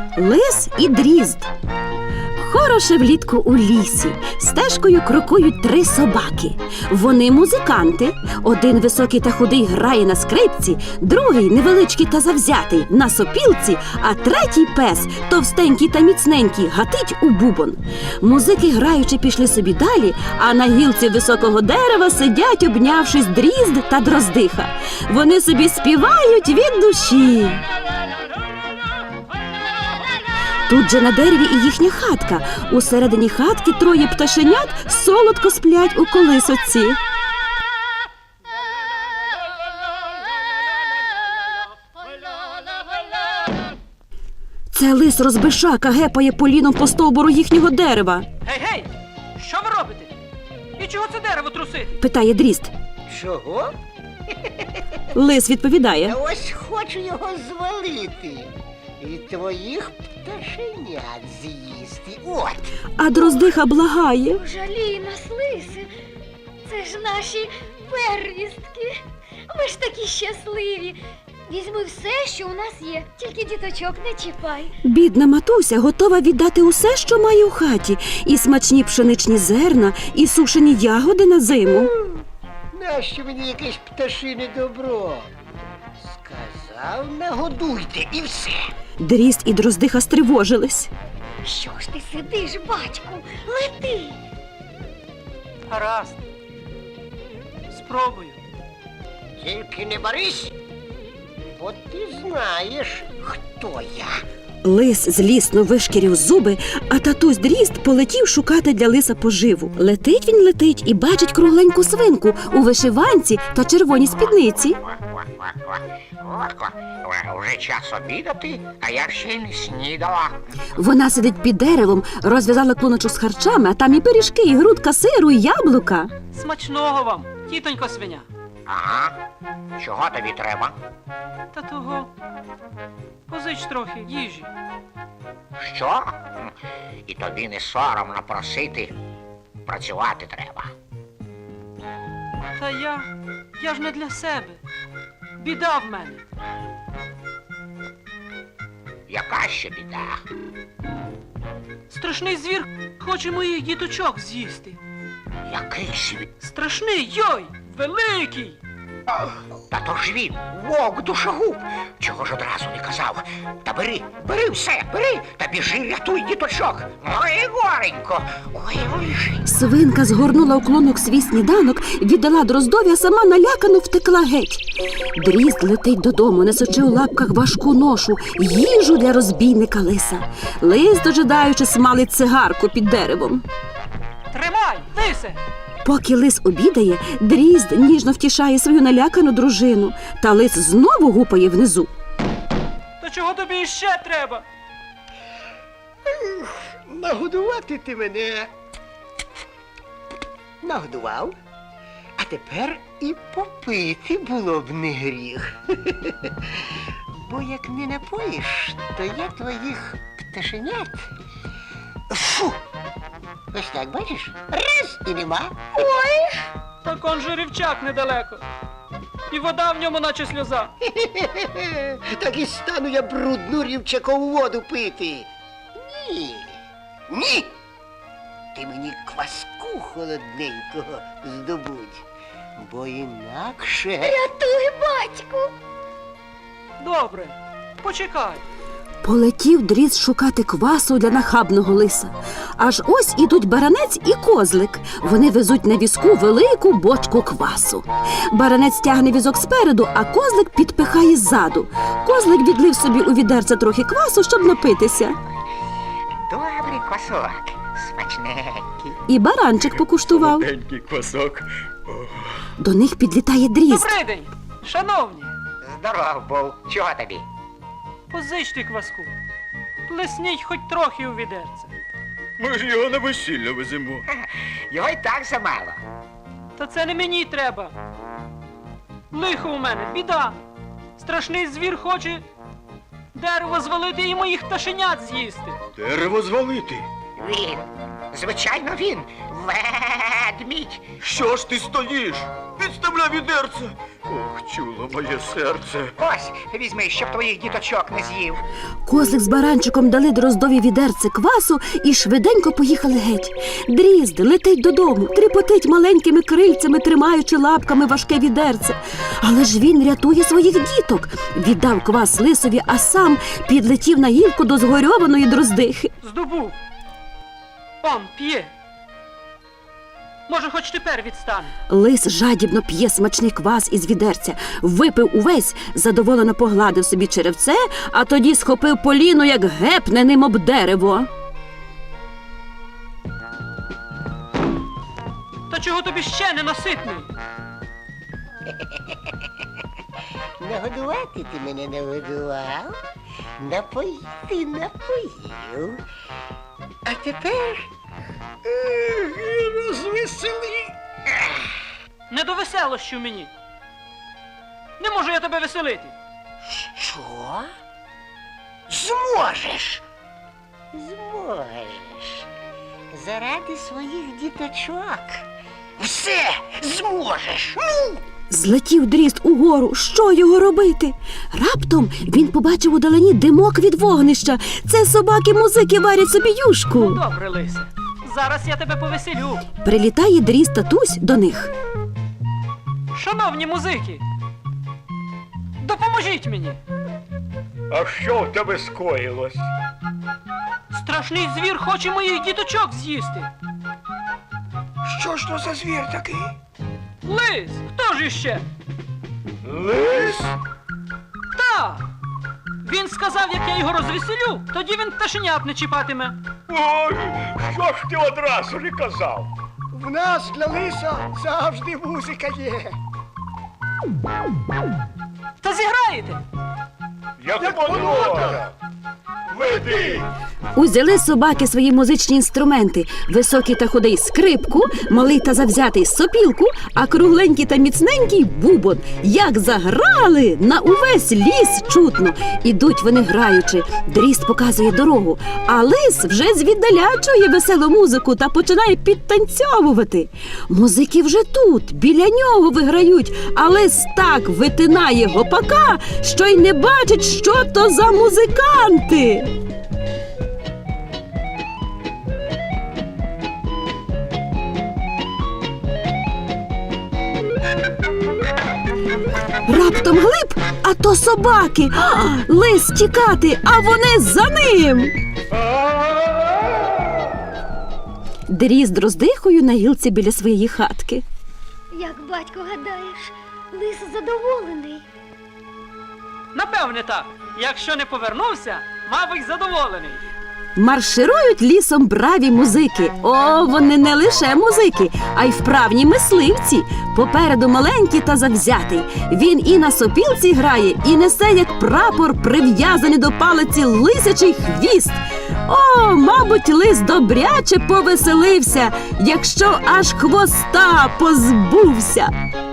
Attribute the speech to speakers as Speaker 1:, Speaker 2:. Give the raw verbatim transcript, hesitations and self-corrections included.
Speaker 1: Лис і дрізд. Хороше влітку у лісі. Стежкою крокують три собаки. Вони музиканти. Один високий та худий грає на скрипці, другий невеличкий та завзятий на сопілці, а третій пес, товстенький та міцненький, гатить у бубон. Музики граючи пішли собі далі, а на гілці високого дерева сидять, обнявшись, дрізд та дроздиха. Вони собі співають від душі. Тут же на дереві і їхня хатка. Усередині хатки троє пташенят солодко сплять у колисоці. Це лис розбишака гепає поліном по стовбуру їхнього дерева.
Speaker 2: Гей, гей! Що ви робите? І чого це дерево трусити?
Speaker 1: Питає дрізд.
Speaker 3: Чого?
Speaker 1: Лис відповідає.
Speaker 3: Та ось хочу його звалити. І твоїх пташенят з'їсти. От.
Speaker 1: А дроздиха благає.
Speaker 4: Жалій нас, лиси. Це ж наші первістки. Ми ж такі щасливі. Візьми все, що у нас є, тільки діточок не чіпай.
Speaker 1: Бідна матуся готова віддати усе, що має у хаті. І смачні пшеничні зерна, і сушені ягоди на зиму.
Speaker 3: Нащо мені якесь пташине добро? Сказав, нагодуйте і все.
Speaker 1: Дрізд і дроздиха стривожились.
Speaker 4: Що ж ти сидиш, батьку? Лети!
Speaker 2: Гаразд. Спробую.
Speaker 3: Тільки не борись, бо ти знаєш, хто я.
Speaker 1: Лис злісно вишкірів зуби, а татусь дрізд полетів шукати для лиса поживу. Летить він летить і бачить кругленьку свинку у вишиванці та червоній спідниці.
Speaker 5: Вже час обідати, а я ще й не снідала.
Speaker 1: Вона сидить під деревом, розв'язала клуночок з харчами, а там і пиріжки, і грудка сиру, і яблука.
Speaker 2: Смачного вам, тітонько свиня.
Speaker 5: Ага. Чого тобі треба?
Speaker 2: Та того. Позич трохи їжі.
Speaker 5: Що? І тобі не соромно просити. Працювати треба.
Speaker 2: Та я, я ж не для себе. Біда в мене.
Speaker 5: Яка ще біда?
Speaker 2: Страшний звір хоче моїх діточок з'їсти.
Speaker 5: Який світ?
Speaker 2: Страшний, йой, великий.
Speaker 5: Та то ж він, вовк душогуб. Чого ж одразу не казав? Та бери, бери все, бери, та біжи, рятуй діточок. Ой, горенько, ой, ой.
Speaker 1: Свинка згорнула у клунок свій сніданок, віддала дроздові, а сама налякано втекла геть. Дрізд летить додому, несучи у лапках важку ношу, їжу для розбійника лиса. Лис, дожидаючи, смалить цигарку під деревом.
Speaker 2: Тримай, лисе!
Speaker 1: Поки лис обідає, дрізд ніжно втішає свою налякану дружину, та лис знову гупає внизу.
Speaker 2: То чого тобі іще треба?
Speaker 3: Нагодувати ти мене нагодував, а тепер і попити було б не гріх. Бо як не напоїш, то я твоїх пташенят. Фу! Ось так, бачиш? Раз і нема.
Speaker 4: Ой!
Speaker 2: Так он же рівчак недалеко. І вода в ньому наче сльоза.
Speaker 3: Так і стану я брудну рівчакову воду пити. Ні. Ні. Ти мені кваску холодненького здобудь, бо інакше...
Speaker 4: Рятуй, батьку!
Speaker 2: Добре, почекай.
Speaker 1: Полетів дрізд шукати квасу для нахабного лиса. Аж ось ідуть баранець і козлик. Вони везуть на візку велику бочку квасу. Баранець тягне візок спереду, а козлик підпихає ззаду. Козлик відлив собі у відерце трохи квасу, щоб напитися.
Speaker 5: Добрий квасок, смачненький.
Speaker 1: І баранчик покуштував.
Speaker 6: Солоденький квасок.
Speaker 1: До них підлітає дрізд.
Speaker 2: Добрий день, шановні.
Speaker 5: Здоров був. Чого тобі?
Speaker 2: Позичте кваску. Плесніть хоч трохи у відерце.
Speaker 6: Ми ж його на весілля веземо.
Speaker 5: Його й так замало.
Speaker 2: Та це не мені треба. Лихо у мене, біда. Страшний звір хоче дерево звалити і моїх пташенят з'їсти.
Speaker 6: Дерево звалити.
Speaker 5: Він, звичайно він, ведмідь.
Speaker 6: Що ж ти стоїш? Підставляй відерце. Ох, чуло моє серце.
Speaker 5: Ось, візьми, щоб твоїх діточок не з'їв.
Speaker 1: Козлик з баранчиком дали Дроздові відерце квасу і швиденько поїхали геть. Дрізд летить додому, тріпотить маленькими крильцями, тримаючи лапками важке відерце. Але ж він рятує своїх діток. Віддав квас лисові, а сам підлетів на гілку до згорьованої дроздихи.
Speaker 2: Здобув. Он п'є. Може, хоч тепер відстане.
Speaker 1: Лис жадібно п'є смачний квас із відерця, випив увесь, задоволено погладив собі черевце, а тоді схопив поліно, як гепне ним об дерево.
Speaker 2: Та чого тобі ще не наситний?
Speaker 3: Нагодувати ти мене нагодував, напоїти напоїв. А тепер ех, розвесели.
Speaker 2: Не до веселощів мені. Не можу я тебе веселити.
Speaker 5: Що? Зможеш.
Speaker 3: Зможеш. Заради своїх діточок.
Speaker 5: Все зможеш. Ну!
Speaker 1: Злетів дрізд угору. Що його робити? Раптом він побачив удалині димок від вогнища. Це собаки-музики варять собі юшку.
Speaker 2: Добре, лисе. Зараз я тебе повеселю.
Speaker 1: Прилітає дрізд татусь до них.
Speaker 2: Шановні музики, допоможіть мені.
Speaker 6: А що в тебе скоїлось?
Speaker 2: Страшний звір хоче моїх діточок з'їсти.
Speaker 5: Що ж то за звір такий?
Speaker 2: Лис, хто ж іще?
Speaker 6: Лис?
Speaker 2: Так. Він сказав, як я його розвеселю, тоді він пташенят не чіпатиме.
Speaker 6: Ой, що ж ти одразу не казав?
Speaker 3: В нас для лиса завжди музика є.
Speaker 2: Та зіграєте.
Speaker 6: Як подобає. Веди.
Speaker 1: Узяли собаки свої музичні інструменти. Високий та худий скрипку, малий та завзятий сопілку, а кругленький та міцненький бубон. Як заграли, на увесь ліс чутно. Ідуть вони граючи. Дрізд показує дорогу, а лис вже звіддаля чує веселу музику та починає підтанцьовувати. Музики вже тут, біля нього виграють, а лис так витинає гопака, що й не бачить, що то за музиканти. Раптом глиб, а то собаки. А, лис тікати, а вони за ним. Дрізд роздихою на гілці біля своєї хатки.
Speaker 4: Як батько гадаєш, лис задоволений.
Speaker 2: Напевне так. Якщо не повернувся, мабуть, задоволений.
Speaker 1: Марширують лісом браві музики. О, вони не лише музики, а й вправні мисливці. Попереду маленький та завзятий. Він і на сопілці грає, і несе, як прапор, прив'язаний до палиці лисячий хвіст. О, мабуть, лис добряче повеселився, якщо аж хвоста позбувся.